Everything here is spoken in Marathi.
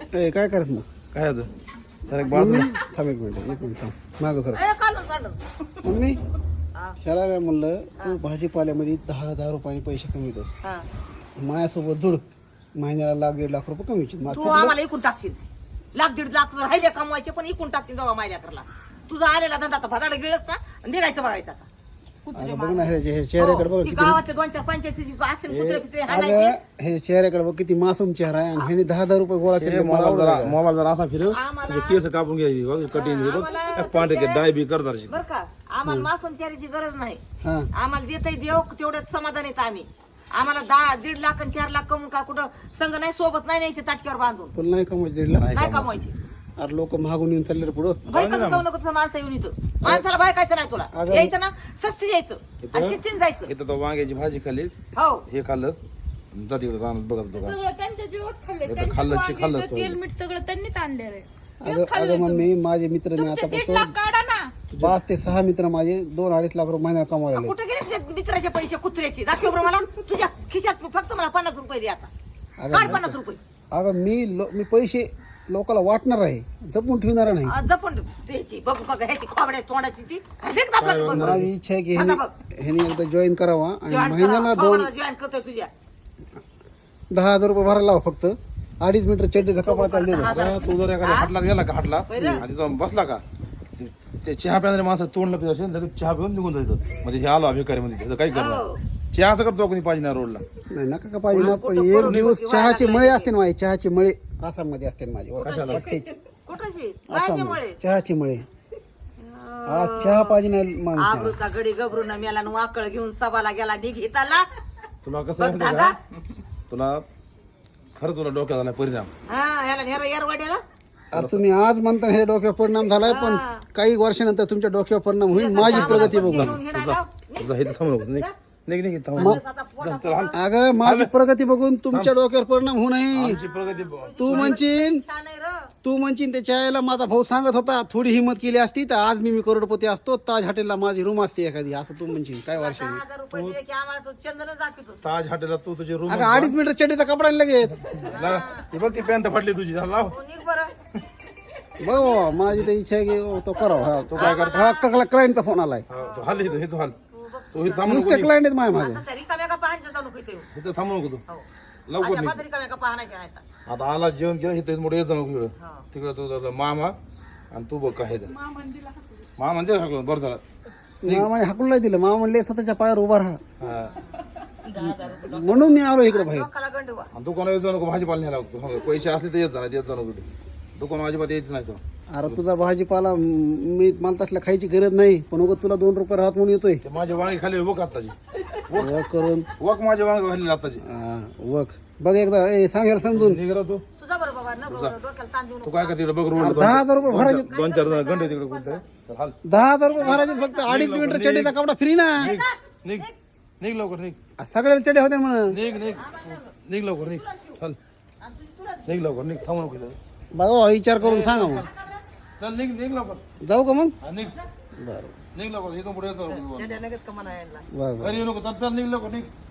ए काय करत मग काय होतं सर एक बाजूला थांब एक मिनिट थांब मागं सर ए, काढून काढून. मम्मी हा, शाला काय म्हणलं तू भाजीपाल्यामध्ये 10,000 रुपयाने पैसे कमीतो हा. माझ्यासोबत जुड महिन्याला लाख 1.5 लाख रुपये कमीचे तू आम्हाला इकून टाकशील 1.5 लाख राहिले कमवायचे पण इकून टाकतील दोघा माझ्या करला तुझा आलेला धंदा भजाड गिळत ना आणि निघायचं बघायचं आता अगं बघ ना हे चेहऱ्याकडे बघ हो, ती किती गावातले 2-4-5 असतील कुत्रे पित्रे हाणायचे. अगं हे चेहऱ्याकडे बघ किती मासूम चेहरा आहे आणि ह्याने 10,000 रुपये गोळा केले मला आवडलं का? मोबाईल जरा असा फिरव आम्हाला- तुझे केस कापून घ्यायची कटिंग आम्हाला पांढरे डाय बी करतात बर का आम्हाला मासूम चारीची गरज नाही हा आम्हाला देतही देव तेवढ्यात समाधान येतं आम्ही आम्हाला 1.5 लाख आणि 4 लाख कमवून का कुठं संघ नाही सोबत नाही न्यायचे ताटक्यावर बांधून तुला नाही कमायचं 1.5 लाख नाही कमवायचे अरे लोक मागून येऊन चालले रे पुढं बायकाचं जाऊ नको तुझं माणसं येऊन इथं माणसाला बायकायचं नाही तुला अगं- यायचं ना सस्ती यायचं आणि शिस्तीने जायचं इथं तो वांग्याची भाजी खाल्लीस हो हे खाल्लंस जा तिकडे रानात बघत होतो का सगळं त्यांच्या जीवात खाल्ले हे तर त्यांच्या खाल्लंच वांग्याचं खाल्लंच तेल मीठ सगळं त्यांनीच आणलेलं आहे अगं मम्मी माझे मित्र मी तुमचे आता 1.5 लाख काढा ना 5 ते 6 मित्र माझे 2-2.5 लाख रुपये महिन्याला कमावले कुठे गेले तुझ्या मित्राचे पैसे कुत्र्याचे दाखव बरं मला तुझ्या खिशात फक्त मला 50 रुपये दे आता काढ 50 रुपये अगं मी पैसे लोकांना वाटणार आहे जपून ठेवणार नाही जपून द्यायची बघू का ह्याची खोबड्या तोंडाची ती लेख दाबला बघ माझी इच्छा आहे की आता ह्याने एकदा जॉईन करावा आणि जॉईन महिन्याला जॉईन करतोय तुझ्या 10,000 रुपये भरायला लावा फक्त 2.5 मीटर चड्डीचा कपडा त्याला दे दो. बरं, तू जर एखाद्या हाटला गेला का हाटला आणि जाऊन बसला का ते चहा प्यायला माणसं तोंडला पित असेल लगेच चहा पिऊन निघून जायचं म्हणजे हे आलो अभिकारी मध्ये त्याचं काही करणार चहाचं करतो कोणी पाहिजे ना रोडला नाही नका का पाहिजे ना पण एक दिवस चहाचे मळे असते ना माझे चहाचे मळे आसाममध्ये असते ना माझे वाटेचे. कुठंशी बायच्यामुळे चहाचे मळे आज चहा पाहिजे नाही माणूस आबरूचा गडी गबरून मेला न वाकळ घेऊन सभाला गेला निघिताला तुला कसं आहे माहिती आहे का? तुला खरं तुला डोक्यात आला परिणाम हा याला नेरा येरवाड्याला आता तुम्ही आज म्हणता हे डोक्यावर परिणाम झालाय पण काही वर्षानंतर तुमच्या डोक्यावर परिणाम होईल माझी प्रगती बघून घेऊन हिंडायला. तुझा हे थांबू नको निघ निघ थांबू माणूस आता पोटात चल हाल अगं माझी प्रगती बघून तुमच्या डोक्यावर परिणाम होऊ नये आमची प्रगती तू म्हणशील छान आहे र तू म्हणशील त्याच्या आईला माझा भाऊ सांगत होता थोडी हिंमत केली असती तर आज मी करोडपती असतो ताज हॉटेलला माझी रूम असते एखादी असं तू म्हणशील काय वर्षाने 10,000 रुपये दिले की आम्हाला तो चंदनच दाखवतो ताज हॉटेलला तू तुझी रूम अगं 2.5 मीटर चड्डीचा कपडा आणि लगेच ती बघ ती पॅन्ट फाटली तुझी चल लाव तू निघ बरं बघ बाबा, माझी तर इच्छा आहे की तो करावा हा तो काय करतो हा क्लायंटचा फोन आलाय हा, तू हाल इथं, हे तू हाल तू इथं थांबू नको नुसते क्लायंट आहेत माझ्या मागे आता रिकाम्या का पाहायचं चालू करते इथं थांबू नको तू हो लवकर माझ्या निघ. पात्री रिकाम्या का पाहण्याच्या आहेत आता आला जेवण केलं इथं मोठं येत नको इकडं हा. तिकडं तू मामा आणि तू बघ काय ते मामा म्हणजे हाकलं, बरं झालं मामाने हाकून नाही दिलं मामा म्हणले स्वतःच्या पायावर उभा राहा हा. म्हणून मी आलो इकडे बाहेर लोकाला गंडवा आणि दुकानावर येत जाऊ नको भाजीपाला न्यायला लागतो हो, पैसे असले तर येत जा येत जाऊ नको दुकान अजिबात यायचं नाही तो अरे तुझा भाजीपाला मी मला तसला खायची गरज नाही पण उगाच तुला 2 रुपये राहत म्हणून येतोय ते माझे वांगे खाली वक आत्ताची वक करून वक माझे वांगे खाली आत्ताची वक बघ एकदा सांगायला समजून निघ रा तू तुझा बरं बाबा न डोक्याला ताण देऊ तू नको काय का तिकडे बघ रोड 10,000 रुपये भरायचे 2-4 जण घंटे तिकडे कोणते तर हाल 10,000 रुपये भरायचे फक्त 2.5 मीटर चड्डीचा कपडा फ्री ना निघ निघ निघ लवकर निघ सगळ्याला चड्डे होते म्हणून निघ निघ निघ लवकर निघ चल निघ लवकर निघ थांबू नको इथं. बघा विचार करून सांगा मग चल निघ निघ लवकर जाऊ का मग हा, निघ बरं निघ लवकर इथून पुढे येतो लगेच कमा नाही यायला बरं घरी येऊ नको चल चल निघ लवकर निघ